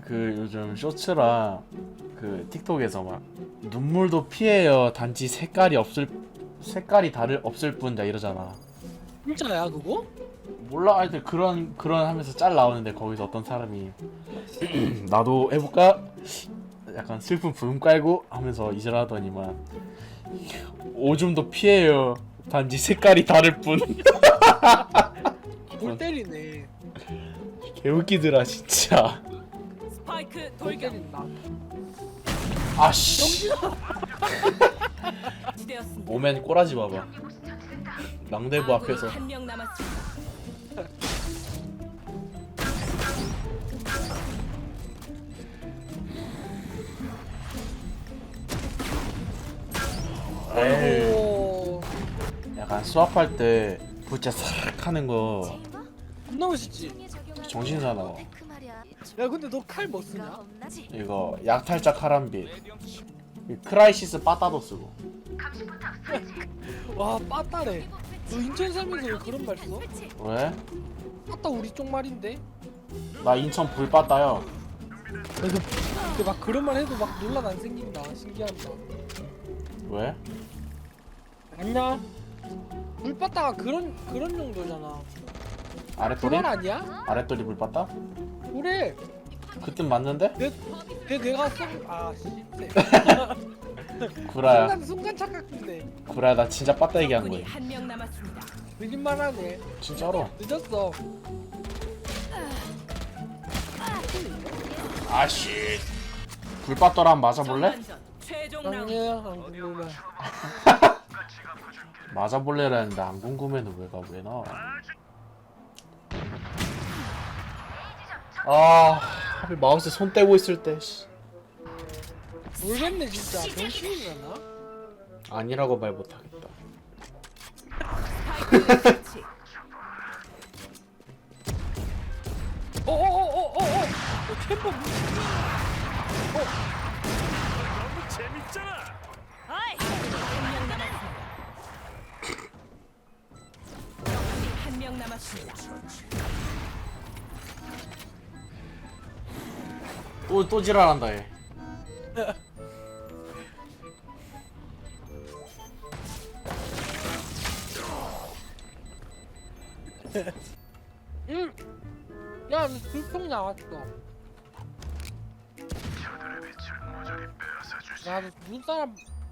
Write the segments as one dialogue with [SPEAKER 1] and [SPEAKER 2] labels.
[SPEAKER 1] 그 요즘 쇼츠랑 그 틱톡에서 막 눈물도 피해요. 단지 색깔이 다를 없을 뿐이다 이러잖아.
[SPEAKER 2] 진짜야 그거?
[SPEAKER 1] 몰라, 하여튼 그런 하면서 짤 나오는데 거기서 어떤 사람이 나도 해볼까? 약간 슬픈 부음 깔고 하면서 이질하더니만 오줌도 피해요. 단지 색깔이 다를 뿐.
[SPEAKER 2] 골 때리네.
[SPEAKER 1] 개웃기더라 진짜.
[SPEAKER 3] 스파이크
[SPEAKER 2] 골
[SPEAKER 3] 돌격.
[SPEAKER 2] 때린다.
[SPEAKER 1] 아씨.
[SPEAKER 3] 지되었습니다.
[SPEAKER 1] 오멘 꼬라지 봐봐. 랑데부 앞에서.
[SPEAKER 3] 한명 남았습니다.
[SPEAKER 1] 에이,
[SPEAKER 2] 오,
[SPEAKER 1] 약간 수업할 때 부채 싹 하는 거
[SPEAKER 2] 겁나 멋있지.
[SPEAKER 1] 정신 사나워.
[SPEAKER 2] 야 근데 너 칼 뭐 쓰냐?
[SPEAKER 1] 이거 약탈자 카람빗. 크라이시스 빠따도 쓰고.
[SPEAKER 2] 와 빠따래. 너 인천 살면서 왜 그런 말 써?
[SPEAKER 1] 왜?
[SPEAKER 2] 빠따 우리 쪽 말인데.
[SPEAKER 1] 나 인천 불빠따요.
[SPEAKER 2] 근데 막 그런 말 해도 막 논란 안 생긴다. 신기하다.
[SPEAKER 1] 왜?
[SPEAKER 2] 아니야. 물빠따가 그런 정도잖아. 그
[SPEAKER 1] 아랫도리?
[SPEAKER 2] 말 아니야?
[SPEAKER 1] 아랫도리 불빠따?
[SPEAKER 2] 그래.
[SPEAKER 1] 그땐 맞는데?
[SPEAKER 2] 내가 씨.
[SPEAKER 1] 구라야.
[SPEAKER 2] 순간 착각했네.
[SPEAKER 1] 구라야, 나 진짜 빠따 얘기한
[SPEAKER 3] 적군이
[SPEAKER 1] 거야.
[SPEAKER 3] 한명 남았습니다.
[SPEAKER 2] 거짓말하네.
[SPEAKER 1] 진짜로.
[SPEAKER 2] 늦었어.
[SPEAKER 1] 아씨. 불빠따랑 맞아볼래?
[SPEAKER 3] 전반전 최종 라운드.
[SPEAKER 2] 아니야 안 궁금해.
[SPEAKER 1] 맞아볼래라 했는데 안 궁금해는 왜 나와? 아, 하필 마우스 손 떼고 있을 때. 씨.
[SPEAKER 2] 모르겠네 진짜. 병신이잖아.
[SPEAKER 1] 아니라고 말 못하겠다.
[SPEAKER 3] 스파이크 설치.
[SPEAKER 2] 어어어어어어. 템포.
[SPEAKER 3] 한명 남았습니다. 적군이 한명 남았습니다.
[SPEAKER 1] 또 지랄한다 얘.
[SPEAKER 2] 응. 야, 불평 나왔어. 야, 너 무슨 사람?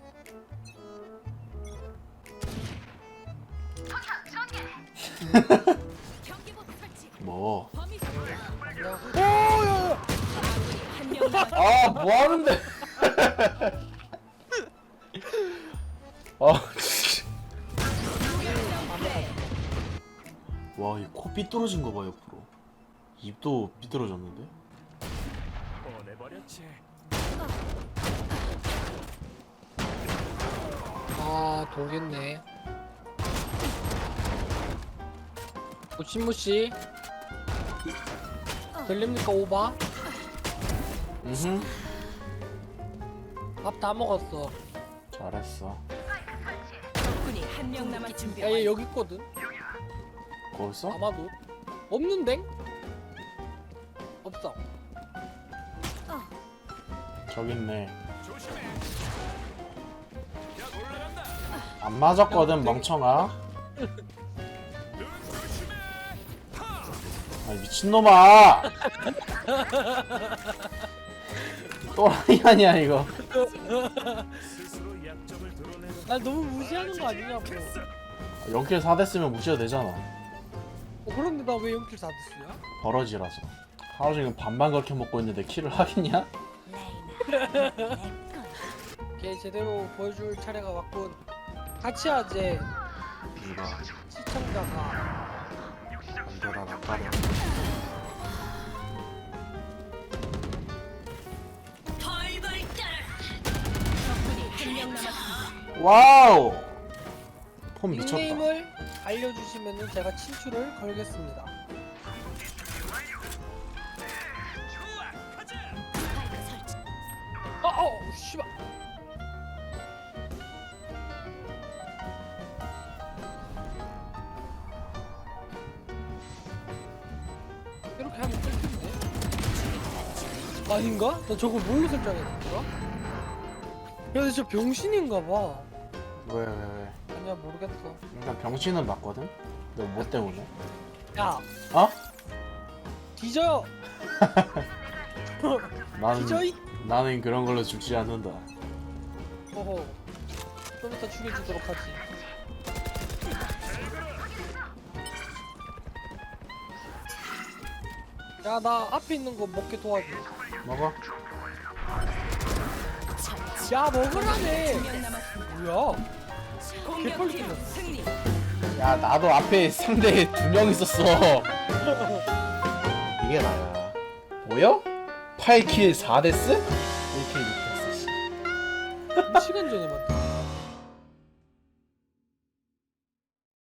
[SPEAKER 3] 경기복 설치.
[SPEAKER 1] 뭐?
[SPEAKER 3] 범위
[SPEAKER 2] 야, 오, 야,
[SPEAKER 3] 한명 남았습니다.
[SPEAKER 1] 아, 뭐 하는데? 아, 진짜. 와, 이 코 삐뚤어진 거 봐, 옆으로. 입도 삐뚤어졌는데?
[SPEAKER 2] 아, 돌겠네. 무시무시. 들립니까 오바?
[SPEAKER 1] 으흠.
[SPEAKER 2] 밥 다 먹었어.
[SPEAKER 1] 잘했어.
[SPEAKER 3] 적군이 한명 남았습니다.
[SPEAKER 2] 야, 얘 여기 있거든.
[SPEAKER 1] 거기 있어?
[SPEAKER 2] 아마도 없는데? 없어.
[SPEAKER 1] 저기 있네. 안 맞았거든, 멍청아. 아, 미친놈아! 또라이 아니야, 이거.
[SPEAKER 2] 나 너무 무시하는 거 아니냐고.
[SPEAKER 1] 0킬 4대 쓰면 무시해도 되잖아.
[SPEAKER 2] 그런데 나 왜 0킬 4대스야?
[SPEAKER 1] 버러지라서. 하루 종일 밥만 그렇게 먹고 있는데 킬을 하겠냐?
[SPEAKER 2] 걔 제대로 보여줄 차례가 왔군. 같이 하재.
[SPEAKER 1] 이거
[SPEAKER 2] 시청자가.
[SPEAKER 1] 안되라 나빠라.
[SPEAKER 3] 적군이 한명 남았습니다.
[SPEAKER 1] 와우! 폼 미쳤다.
[SPEAKER 2] 닉네임을 알려주시면 제가 친추를 걸겠습니다. 씨발. 이렇게 하면 뚫리는데? 아닌가? 나 저거 뭘로 설정했더라? 야, 저 병신인가 봐.
[SPEAKER 1] 왜?
[SPEAKER 2] 아니야, 모르겠어.
[SPEAKER 1] 일단 병신은 맞거든? 너 뭐 때문에?
[SPEAKER 2] 야,
[SPEAKER 1] 어?
[SPEAKER 2] 뒤져. 뒤져 이.
[SPEAKER 1] 나는 그런 걸로 죽지 않는다.
[SPEAKER 2] 어허. 좀 이따 죽여주도록 하지. 야, 나 앞에 있는 거 먹게 도와줘.
[SPEAKER 1] 먹어?
[SPEAKER 2] 야, 먹으라네.
[SPEAKER 3] 한명 남았습니다.
[SPEAKER 2] 뭐야?
[SPEAKER 3] 공격팀 승리.
[SPEAKER 1] 야 나도 앞에 상대에 2명 있었어. 이게 나야. 보여? 8킬 4데스? 1킬 6데스.
[SPEAKER 2] 2시간 전에 봤다.